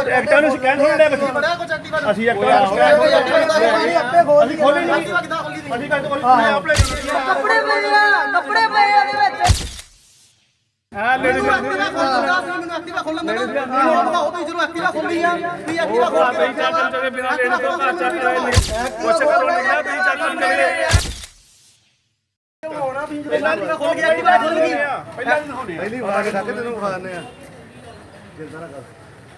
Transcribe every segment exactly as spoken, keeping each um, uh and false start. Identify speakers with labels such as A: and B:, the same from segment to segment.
A: ਐਕਟਾਂ ਨੂੰ ਸਕੈਨ ਹੋਣ ਦੇ ਬੱਚੇ
B: ਬੜਾ ਕੁਝ ਐਕਟਿਵਾ
A: ਅਸੀਂ ਐਕਟਾਂ ਨੂੰ ਸਕੈਨ ਹੋਣ ਦੇ
B: ਆਪੇ ਖੋਲ
A: ਅਸੀਂ ਖੋਲੀ ਨਹੀਂ
B: ਐਕਟਿਵਾ ਕਿੱਦਾਂ ਖੋਲੀ
A: ਅਸੀਂ ਕੱਟ ਖੋਲੀ ਆਪਣੇ
C: ਕੱਪੜੇ ਪਏ ਆ ਕੱਪੜੇ ਪਏ ਆ ਉਹਦੇ ਵਿੱਚ
A: ਹਾਂ ਲੇਡੀਜ਼
B: ਐਕਟਿਵਾ ਖੋਲਦਾ ਸੀ ਮੈਨੂੰ ਐਕਟਿਵਾ ਖੋਲਣ ਦੇਣਾ ਮੈਨੂੰ ਦਿਖਾਓ ਤੁਸੀਂ ਜਦੋਂ ਐਕਟਿਵਾ ਖੋਲੀ ਆ ਵੀ ਐਕਟਿਵਾ ਖੋਲ ਕੇ
A: ਚੱਲ ਚੱਲ ਬਿਨਾਂ ਲੇਡੀਜ਼ ਤੋਂ ਘਰ ਚੱਕ ਰਹੇ ਨੇ ਕੁਛ ਕਰੋ ਨਿਕਲਿਆ ਤੁਸੀਂ ਚੱਲ ਚੱਲ
B: ਪਹਿਲਾਂ ਨਹੀਂ ਖੋਲ ਕੇ ਐਕਟਿਵਾ ਖੋਲ ਗਈ
A: ਪਹਿਲਾਂ ਨਹੀਂ ਹੋਣੇ
D: ਪਹਿਲੀ ਵਾਰ ਕੇ ਤੈਨੂੰ ਵਿਖਾ ਦਿੰਦੇ ਆ ਜਿੰਦਾ ਨਾ ਕਰ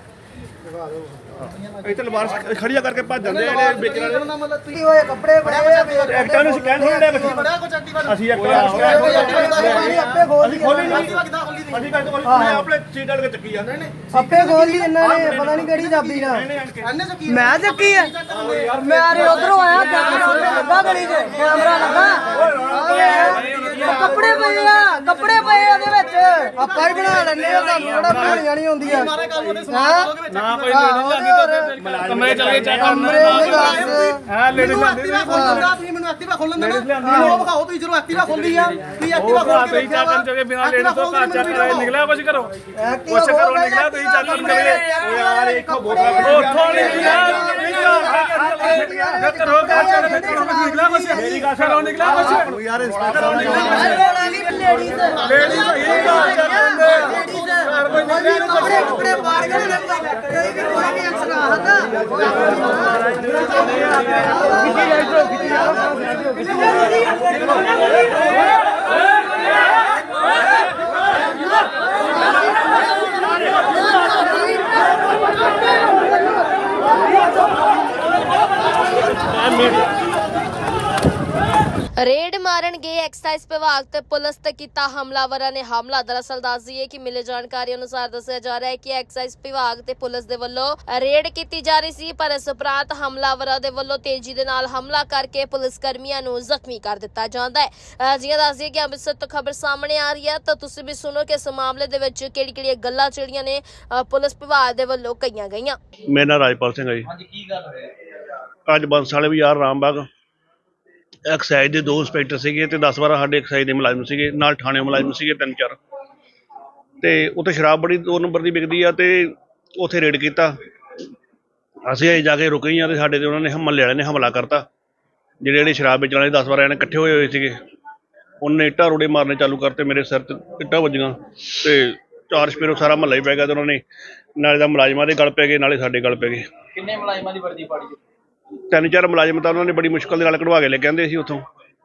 A: ਇੱਥੇ ਲਵਾਰ ਖੜੀਆਂ ਕਰਕੇ ਭੱਜ ਜਾਂਦੇ ਜਿਹੜੇ ਵੇਚਣ ਵਾਲੇ
B: ਮਤਲਬ ਤੁਸੀਂ
C: ਹੋਏ ਕੱਪੜੇ ਪਏ ਆ
A: ਐਕਟਾਂ ਨੂੰ ਸਕੈਨ ਹੋਣ ਦੇ ਬੱਚੇ
B: ਬੜਾ ਕੁਝ ਐਕਟਿਵਾ
A: ਅਸੀਂ ਐਕਟਾਂ ਨੂੰ ਸਕੈਨ ਹੋਣ ਦੇ
C: ਆਪੇ ਖੋਲ
A: ਅਸੀਂ ਖੋਲੀ ਨਹੀਂ
B: ਐਕਟਿਵਾ ਕਿੱਦਾਂ ਖੋਲੀ
A: ਅਸੀਂ ਕੱਟ ਖੋਲੀ ਆਪਣੇ ਸੀਟ ਵਾਲੇ ਚੱਕੀ ਜਾਂਦੇ ਨੇ
C: ਆਪੇ ਖੋਲ ਲਈ ਇਹਨਾਂ ਨੇ ਪਤਾ ਨਹੀਂ ਕਿਹੜੀ ਚਾਬੀ ਨਾਲ
B: ਇਹਨੇ ਚੱਕੀ
C: ਮੈਂ ਚੱਕੀ ਆ ਮੈਂ ਆਰੇ ਉਧਰੋਂ ਆਇਆ ਕੈਮਰਾ ਉੱਤੇ ਲੱਗਾ ਗਲੀ 'ਚ ਕੈਮਰਾ ਲੱਗਾ ਕੱਪੜੇ ਪਏ ਆ ਕੱਪੜੇ ਪਏ ਆ ਉਹਦੇ ਵਿੱਚ ਆਪਾਂ ਹੀ ਬਣਾ ਲੈਣੇ ਆ ਤੁਹਾਨੂੰ ਕਿਹੜਾ ਬਣਾਉਣੀਆਂ ਨਹੀਂ ਹੁੰਦੀਆਂ
B: ਮਾਰੇ ਕੰਮ ਉਹਦੇ ਸਮਾਨ ਲੋਗੇ ਵਿੱਚ
A: ਨਾ ਕੋਈ ਲੇਡੀਜ਼ ਲੱਗੀ ਕਮਰੇ ਚੱਲ ਕੇ ਚੈੱਕ
C: ਕਮਰੇ ਦੇ ਦੱਸ
A: ਹਾਂ ਲੇਡੀਜ਼
B: ਐਕਟਿਵਾ ਖੋਲਦਾ ਤੁਸੀਂ ਮੈਨੂੰ ਐਕਟਿਵਾ ਖੋਲਣ ਦੇਣਾ ਮੈਨੂੰ ਵਿਖਾਓ ਤੁਸੀਂ ਜਦੋਂ ਐਕਟਿਵਾ ਖੋਲੀ ਆ ਵੀ ਐਕਟਿਵਾ ਖੋਲ ਕੇ
A: ਤੁਸੀਂ ਚੱਕਣ ਚੋਗੇ ਬਿਨਾਂ ਲੇਡੀਜ਼ ਤੋਂ ਘਰ ਚੱਕ ਰਹੇ ਨਿਕਲਿਆ ਕੁਛ ਕਰੋ ਕੁਛ ਕਰੋ ਨਿਕਲਿਆ ਤੁਸੀਂ ਚੱਕਣ ਚੋਗੇ ਓ ਯਾਰ ਇੱਕੋ ਬੋਤਲ ਉੱਥੋਂ ਨਿਕਲਿਆ ਕਰੋ ਘਰ ਚੱਕ ਨਿਕਲਿਆ ਕੁਛ ਮੇਰੀ ਗੱਲ ਕਰੋ ਨਿਕਲਿਆ ਕੁਛ
D: ਯਾਰ ਇੰਸਪੈਕਟਰ
C: ਲੇਡੀਜ਼
A: ਲੇਡੀਜ਼ ਹੀ ਘਰ ਚੱਕ ਦਿੰਦੇ ਘਰ ਕੋਈ ਨਿਕਲਿਆ
C: ਕੱਪੜੇ ਕੱਪੜੇ ਪਾੜ ਕੇ ਕੋਈ ਵੀ ਕੋਈ ਵੀ ਐਕਸ਼ਨ ਆਹਦਾ
E: ਰੇਡ ਮਾਰਨ ਗਏ ਐਕਸਾਈਜ਼ ਵਿਭਾਗ ਤੇ ਪੁਲਿਸ ਤੇ ਕੀਤਾ ਹਮਲਾਵਰਾਂ ਨੇ ਹਮਲਾ। ਦਰਅਸਲ ਦੱਸ ਦਈਏ ਕਿ ਮਿਲੇ ਜਾਣਕਾਰੀ ਅਨੁਸਾਰ ਦੱਸਿਆ ਜਾ ਰਿਹਾ ਹੈ ਕਿ ਐਕਸਾਈਜ਼ ਵਿਭਾਗ ਤੇ ਪੁਲਿਸ ਦੇ ਵੱਲੋਂ ਰੇਡ ਕੀਤੀ ਜਾ ਰਹੀ ਸੀ, ਪਰ ਇਸ ਉਪਰੰਤ ਹਮਲਾਵਰਾਂ ਦੇ ਵੱਲੋਂ ਤੇਜ਼ੀ ਦੇ ਨਾਲ ਹਮਲਾ ਕਰਕੇ ਪੁਲਿਸ ਕਰਮੀਆਂ ਨੂੰ ਜ਼ਖਮੀ ਕਰ ਦਿੱਤਾ ਜਾਂਦਾ ਹੈ। ਜਿਵੇਂ ਦੱਸ ਦਈਏ ਕਿ ਅੰਮ੍ਰਿਤਸਰ ਤੋਂ ਖਬਰ ਸਾਹਮਣੇ ਆ ਰਹੀ ਹੈ, ਤਾਂ ਤੁਸੀਂ ਵੀ ਸੁਣੋ ਕਿ ਇਸ ਮਾਮਲੇ ਦੇ ਵਿੱਚ ਕਿਹੜੀ ਕਿਹੜੀਆਂ ਗੱਲਾਂ ਜਿਹੜੀਆਂ ਨੇ ਪੁਲਿਸ ਵਿਭਾਗ ਦੇ ਵੱਲੋਂ ਕਹੀਆਂ ਗਈਆਂ।
F: ਮੇਰਾ ਨਾਮ ਰਾਜਪਾਲ ਸਿੰਘ ਹੈ ਜੀ।
B: ਹਾਂਜੀ ਕੀ ਗੱਲ ਹੋਈ
F: ਅੱਜ ਬੰਸ ਵਾਲੇ ਵੀ ਯਾਰ ਰਾਮਬਾਗ ਐਕਸਾਈਜ਼ ਦੇ ਦੋ ਇੰਸਪੈਕਟਰ ਸੀਗੇ ਤੇ ਦਸ ਬਾਰਾਂ ਸਾਡੇ ਐਕਸਾਈਜ਼ ਦੇ ਮੁਲਾਜ਼ਮ ਸੀਗੇ, ਨਾਲ ਥਾਣੇ ਮੁਲਾਜ਼ਮ ਸੀਗੇ ਤਿੰਨ ਚਾਰ, ਤੇ ਉੱਥੇ ਸ਼ਰਾਬ ਬੜੀ ਦੋ ਨੰਬਰ ਦੀ ਵਿਕਦੀ ਆ ਤੇ ਉੱਥੇ ਰੇਡ ਕੀਤਾ। ਅਸੀਂ ਅਜੇ ਜਾ ਕੇ ਰੁਕੇ ਹੀ ਆ ਤੇ ਸਾਡੇ ਤੇ ਉਹਨਾਂ ਨੇ ਹਮਲੇ ਵਾਲਿਆਂ ਨੇ ਹਮਲਾ ਕਰਤਾ। ਜਿਹੜੇ ਜਿਹੜੇ ਸ਼ਰਾਬ ਵੇਚਣ ਵਾਲੇ ਦਸ ਬਾਰਾਂ ਜਣੇ ਇਕੱਠੇ ਹੋਏ ਹੋਏ ਸੀਗੇ, ਉਹਨੇ ਇੱਟਾਂ ਰੋੜੇ ਮਾਰਨੇ ਚਾਲੂ ਕਰਤੇ। ਮੇਰੇ ਸਿਰ ਤੇ ਇੱਟਾਂ ਵੱਜੀਆਂ ਤੇ ਚਾਰ ਸਪੇਰੋਂ ਸਾਰਾ ਮਹੱਲਾ ਹੀ ਪੈ ਗਿਆ ਤੇ ਉਹਨਾਂ ਨੇ ਨਾਲੇ ਦਾ ਮੁਲਾਜ਼ਮਾਂ ਦੇ ਗਲ ਪੈ ਗਏ ਨਾਲੇ ਸਾਡੇ ਗਲ ਪੈ ਗਏ।
B: ਕਿੰਨੇ ਮੁਲਾਜ਼ਮਾਂ ਦੀ ਵਰਦੀ ਪਾੜੀ
F: ਤਿੰਨ ਚਾਰ ਮੁਲਾਜ਼ਮ ਤਾਂ ਉਹਨਾਂ ਨੇ ਬੜੀ ਮੁਸ਼ਕਲ ਦੇ ਨਾਲ ਕਢਵਾ ਕੇ ਲੈ ਕੇ ਆਂਦੇ ਸੀ ਉੱਥੋਂ,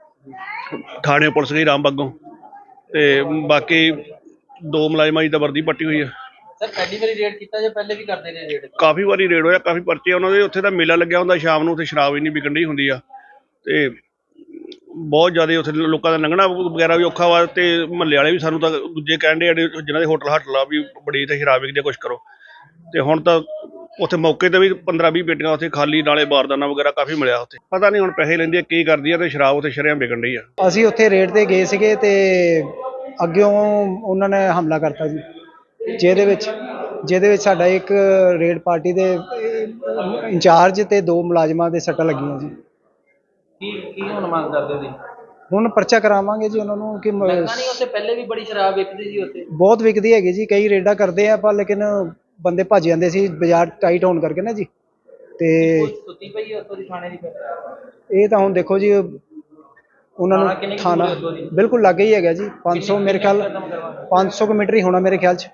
F: ਥਾਣੇ ਪੁਲਿਸ ਗਈ ਰਾਮਬਾਗੋਂ, ਤੇ ਬਾਕੀ ਦੋ ਮੁਲਾਜ਼ਮਾਂ ਦੀ ਤਾਂ ਵਰਦੀ ਪੱਟੀ ਹੋਈ ਆ।
B: ਸਰ ਪਹਿਲੀ ਵਾਰੀ ਰੇਡ ਕੀਤਾ ਜਾਂ ਪਹਿਲੇ ਵੀ ਕਰਦੇ ਨੇ ਰੇਡ?
F: ਕਾਫੀ ਵਾਰੀ ਰੇਡ ਹੋਇਆ, ਕਾਫੀ ਪਰਚੇ ਉਹਨਾਂ ਦੇ। ਉੱਥੇ ਤਾਂ ਮੇਲਾ ਲੱਗਿਆ ਹੁੰਦਾ ਸ਼ਾਮ ਨੂੰ, ਉੱਥੇ ਸ਼ਰਾਬ ਇੰਨੀ ਵਿਕਣ ਡਈ ਹੁੰਦੀ ਆ ਤੇ ਬਹੁਤ ਜ਼ਿਆਦਾ ਉੱਥੇ ਲੋਕਾਂ ਦਾ ਲੰਘਣਾ ਵਗੈਰਾ ਵੀ ਔਖਾ ਵਾ। ਤੇ ਮਹੱਲੇ ਵਾਲੇ ਵੀ ਸਾਨੂੰ ਤਾਂ ਦੂਜੇ ਕਹਿਣ ਡੇ ਜਿਹਨਾਂ ਦੇ ਹੋਟਲ ਹਾਟਲ ਆ ਵੀ ਬੜੀ ਇੱਥੇ ਸ਼ਰਾਬ ਵਿਕਦੀ ਆ, ਕੁਛ ਕਰੋ। ਤੇ ਹੁਣ ਤਾਂ ਉੱਥੇ ਮੌਕੇ ਤੇ ਵੀ ਪੰਦਰਾਂ ਵੀਹ ਪੇਟੀਆਂ ਉੱਥੇ ਖਾਲੀ, ਨਾਲੇ ਬਾਰਦਾਨਾ ਵਗੈਰਾ ਕਾਫੀ ਮਿਲਿਆ ਉੱਥੇ। ਪਤਾ ਨਹੀਂ ਹੁਣ ਪੈਸੇ ਲੈਂਦੀ ਆ ਕੀ ਕਰਦੀ ਆ, ਤੇ ਸ਼ਰਾਬ ਉੱਥੇ ਸ਼ਰੇਆਮ ਵਿਕਣ ਡਈ ਆ।
G: ਅਸੀਂ ਉੱਥੇ ਰੇਡ ਤੇ ਗਏ ਸੀਗੇ ਤੇ ਅੱਗਿਓਂ ਉਹਨਾਂ ਨੇ ਹਮਲਾ ਕਰਤਾ ਜੀ, ਜਿਹਦੇ ਵਿੱਚ ਜਿਹਦੇ ਵਿੱਚ ਸਾਡਾ ਇੱਕ ਰੇਡ ਪਾਰਟੀ ਦੇ ਇੰਚਾਰਜ ਤੇ ਦੋ ਮੁਲਾਜ਼ਮਾਂ ਦੇ ਸੱਟਾਂ ਲੱਗੀਆਂ ਜੀ।
B: ਕੀ ਕੀ ਹੁਣ ਮੰਗ ਕਰਦੇ ਸੀ?
G: ਹੁਣ ਪਰਚਾ ਕਰਾਵਾਂਗੇ ਜੀ ਉਹਨਾਂ ਨੂੰ ਕਿ ਮ-
B: ਨਹੀਂ ਉੱਥੇ ਪਹਿਲੇ ਵੀ ਬੜੀ ਸ਼ਰਾਬ ਵਿਕਦੀ ਸੀ ਉੱਥੇ।
G: ਬਹੁਤ ਵਿਕਦੀ ਹੈਗੀ ਜੀ, ਕਈ ਰੇਡਾਂ ਕਰਦੇ ਆ ਪਰ ਲੇਕਿਨ ਬੰਦੇ ਭੱਜ ਜਾਂਦੇ ਸੀ ਬਾਜ਼ਾਰ ਟਾਈਟ ਹੋਣ ਕਰਕੇ ਨਾ ਜੀ। ਤੇ
B: ਸੁੱਤੀ ਪਈ ਉੱਥੋਂ ਦੀ ਥਾਣੇ ਦੀ?
G: ਇਹ ਤਾਂ ਹੁਣ ਦੇਖੋ ਜੀ, ਉਹਨਾਂ ਨੂੰ ਥਾਣਾ ਬਿਲਕੁਲ ਲਾਗੇ ਹੀ ਹੈਗਾ ਜੀ, ਪੰਜ ਸੌ ਮੇਰੇ ਖਿਆਲ ਪੰਜ ਸੌ ਕੁ ਮੀਟਰ ਹੀ ਹੋਣਾ ਮੇਰੇ ਖਿਆਲ 'ਚ।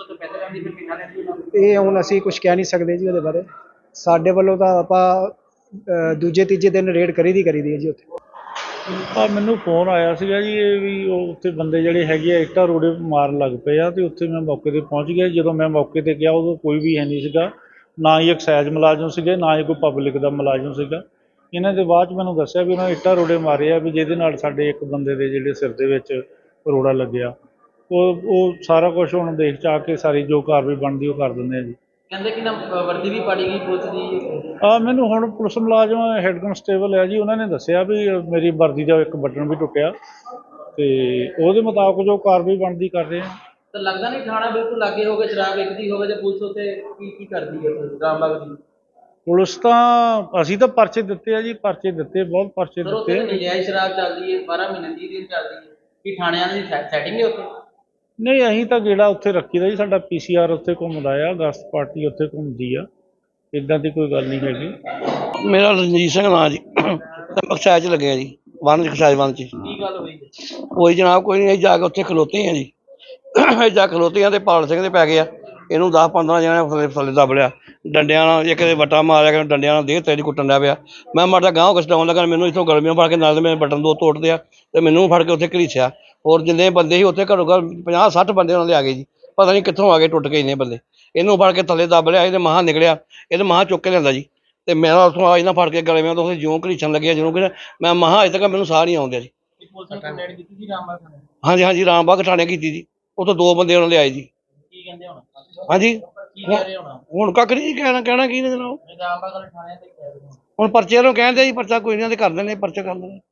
G: ਇਹ ਹੁਣ ਅਸੀਂ ਕੁਝ ਕਹਿ ਨਹੀਂ ਸਕਦੇ ਜੀ ਉਹਦੇ ਬਾਰੇ। ਸਾਡੇ ਵੱਲੋਂ ਤਾਂ ਆਪਾਂ ਦੂਜੇ ਤੀਜੇ ਦਿਨ ਰੇਡ ਕਰੀ ਦੀ ਕਰੀ ਦੀ ਹੈ ਜੀ ਉੱਥੇ।
H: ਆ ਮੈਨੂੰ ਫੋਨ ਆਇਆ ਸੀਗਾ ਜੀ, ਇਹ ਵੀ ਉਹ ਉੱਥੇ ਬੰਦੇ ਜਿਹੜੇ ਹੈਗੇ ਆ ਇੱਟਾਂ ਰੋੜੇ ਮਾਰਨ ਲੱਗ ਪਏ ਆ, ਤੇ ਉੱਥੇ ਮੈਂ ਮੌਕੇ ਤੇ ਪਹੁੰਚ ਗਿਆ। ਜਦੋਂ ਮੈਂ ਮੌਕੇ ਤੇ ਗਿਆ ਉਦੋਂ ਕੋਈ ਵੀ ਹੈ ਨਹੀਂ ਸੀਗਾ, ਨਾ ਹੀ ਐਕਸਾਈਜ਼ ਮੁਲਾਜ਼ਮ ਸੀਗੇ, ਨਾ ਹੀ ਕੋਈ ਪਬਲਿਕ ਦਾ ਮੁਲਾਜ਼ਮ ਸੀਗਾ। ਇਹਨਾਂ ਦੇ ਬਾਅਦ 'ਚ ਮੈਨੂੰ ਦੱਸਿਆ ਵੀ ਉਹਨਾਂ ਨੇ ਇੱਟਾਂ ਰੋੜੇ ਮਾਰੇ ਆ, ਵੀ ਜਿਹਦੇ ਨਾਲ ਸਾਡੇ ਇੱਕ ਬੰਦੇ ਦੇ ਜਿਹੜੇ ਸਿਰ ਦੇ ਵਿੱਚ ਰੋੜਾ ਲੱਗਿਆ। ਉਹ ਉਹ ਸਾਰਾ ਕੁਛ ਹੁਣ ਦੇਖ ਚਾ ਕੇ ਸਾਰੀ ਜੋ ਕਾਰਵਾਈ ਬਣਦੀ ਉਹ ਕਰ ਦਿੰਦੇ ਆ ਜੀ।
B: ਕਹਿੰਦੇ ਕਿ ਨਾ ਵਰਦੀ ਵੀ ਪਾੜੀ ਗਈ ਪੁਲਿਸ ਦੀ?
H: ਆ ਮੈਨੂੰ ਹੁਣ ਪੁਲਿਸ ਮੁਲਾਜ਼ਮ ਹੈੱਡ ਕਨਸਟੇਬਲ ਆ ਜੀ, ਉਹਨਾਂ ਨੇ ਦੱਸਿਆ ਵੀ ਮੇਰੀ ਵਰਦੀ ਦਾ ਇੱਕ ਬਟਨ ਵੀ ਟੁੱਟਿਆ, ਤੇ ਉਹਦੇ ਮੁਤਾਬਕ ਜੋ ਕਾਰਵਾਈ ਬਣਦੀ ਕਰ ਰਹੇ ਆ।
B: ਤਾਂ ਲੱਗਦਾ ਨਹੀਂ ਥਾਣਾ ਬਿਲਕੁਲ ਲਾਗੇ ਹੋਵੇ, ਸ਼ਰਾਬ ਵਿਕਦੀ ਹੋਵੇ, ਤੇ ਪੁਲਿਸ ਉੱਥੇ ਕੀ ਕੀ ਕਰਦੀ ਹੈ ਰਾਮਬਾਗ ਦੀ?
H: ਪੁਲਿਸ ਤਾਂ ਅਸੀਂ ਤਾਂ ਪਰਚੇ ਦਿੱਤੇ ਆ ਜੀ, ਪਰਚੇ ਦਿੱਤੇ, ਬਹੁਤ ਪਰਚੇ ਦਿੱਤੇ।
B: ਨਜਾਇਜ਼ ਸ਼ਰਾਬ ਚੱਲਦੀ ਹੈ ਬਾਰਾਂ ਮਹੀਨੇ ਤੀਹ ਦਿਨ ਚੱਲਦੀ ਹੈ, ਕੀ ਥਾਣਿਆਂ ਦੀ ਸੈਟਿੰਗ ਹੈ ਉੱਥੇ?
H: ਨਹੀਂ ਅਸੀਂ ਤਾਂ ਗੇੜਾ ਉੱਥੇ ਰੱਖੀਦਾ ਜੀ, ਸਾਡਾ ਪੀ ਸੀ ਆਰ ਉੱਥੇ ਘੁੰਮਦਾ ਆ, ਗਸਤ ਪਾਰਟੀ ਉੱਥੇ ਘੁੰਮਦੀ ਆ, ਇੱਦਾਂ ਦੀ ਕੋਈ ਗੱਲ ਨਹੀਂ ਹੈਗੀ।
F: ਮੇਰਾ ਰਣਜੀਤ ਸਿੰਘ ਨਾਂ ਜੀ, ਐਕਸਾਈਜ਼ 'ਚ ਲੱਗਿਆ ਜੀ, ਵਨ 'ਚ ਐਕਸਾਈਜ਼ ਵਨ 'ਚ।
B: ਕੀ ਗੱਲ ਹੋਈ ਹੈ?
F: ਕੋਈ ਜਨਾਬ ਕੋਈ ਨਹੀਂ, ਅਸੀਂ ਜਾ ਕੇ ਉੱਥੇ ਖਲੋਤੇ ਹਾਂ ਜੀ, ਅਸੀਂ ਜਾ ਖਲੋਤੇ ਹਾਂ ਤੇ ਪਾਲ ਸਿੰਘ ਦੇ ਪੈ ਗਏ ਆ, ਇਹਨੂੰ ਦਸ ਪੰਦਰਾਂ ਜਣੇ ਥੱਲੇ ਥੱਲੇ ਦੱਬ ਲਿਆ ਡੰਡਿਆਂ ਨਾਲ, ਇੱਕ ਦੇ ਵੱਟਾ ਮਾਰਿਆ ਕਿ ਡੰਡਿਆਂ ਨਾਲ ਦੇਹ ਤੇਰੀ ਕੁੱਟਣ ਡਿਆ ਪਿਆ। ਮੈਂ ਮਾੜਾ ਗਾਂਹ ਕਸਟਾਉਣ ਲੱਗਾ, ਮੈਨੂੰ ਇੱਥੋਂ ਗਲਮੀਆਂ ਫੜ ਕੇ ਨਾਲ ਮੇਰੇ ਬਟਨ ਦੋ ਤੋੜਦੇ ਆ ਤੇ ਮੈਨੂੰ ਫੜ ਕੇ ਉੱਥੇ ਘੜੀਸਿਆ। ਹੋਰ ਜਿੰਨੇ ਬੰਦੇ ਸੀ ਉੱਥੇ ਘੱਟੋ ਘੱਟ ਪੰਜਾਹ ਸੱਠ ਬੰਦੇ ਉਹਨਾਂ ਦੇ ਆ ਗਏ ਜੀ, ਪਤਾ ਨਹੀਂ ਕਿੱਥੋਂ ਆ ਗਏ ਟੁੱਟ ਕੇ ਇੰਨੇ ਬੰਦੇ। ਇਹਨੂੰ ਫੜ ਕੇ ਥੱਲੇ ਦੱਬ ਲਿਆ, ਇਹਦੇ ਮਹਾਂ ਨਿਕਲਿਆ, ਇਹਦੇ ਮਹਾਂ ਚੁੱਕ ਕੇ ਲਿਆਂਦਾ ਜੀ ਤੇ ਮੈਂ ਉੱਥੋਂ ਆ ਇਹਨਾਂ ਫੜ ਕੇ ਗਲੇ ਮੈਂ ਉੱਥੇ ਜਿਉਂ ਘੜੀਸਣ ਲੱਗਿਆ, ਜਿਉਂ ਕਿ ਮੈਂ ਮਹਾਂ ਅਜੇ ਤੱਕ ਮੈਨੂੰ ਸਾਹ ਨਹੀਂ ਆਉਂਦਿਆ ਜੀ।
B: ਪੁਲਿਸ ਨੇ ਕੰਪਲੇਂਟ ਕੀਤੀ ਸੀ ਰਾਮਬਾਗ ਥਾਣੇ?
F: ਹਾਂਜੀ ਹਾਂਜੀ ਰਾਮਬਾਗ ਥਾਣੇ ਕੀਤੀ ਜੀ, ਉੱਥੋਂ ਦੋ ਬੰਦੇ ਉਹਨਾਂ ਲਿਆਏ ਜੀ।
B: ਕੀ ਕਹਿੰਦੇ ਹੁਣ?
F: ਹਾਂਜੀ
B: ਕੀ ਕਹਿ ਰਹੇ ਹੁਣ?
F: ਹੁਣ ਕੱਖ ਨਹੀਂ ਕਹਿਣਾ, ਕਹਿਣਾ ਕੀ ਨੇ ਜਨਾਬ,
B: ਰਾਮਬਾਗ ਵਾਲੇ ਥਾਣੇ ਤੇ ਕਹਿ ਰਹੇ ਹੋ?
F: ਹੁਣ ਪਰਚੇ ਨੂੰ ਕਹਿੰਦੇ ਜੀ, ਪਰਚਾ ਕੋਈ ਨਹੀਂ ਦੇ ਕਰ ਦਿੰਦੇ, ਪਰਚਾ ਕਰ ਦਿੰਦੇ।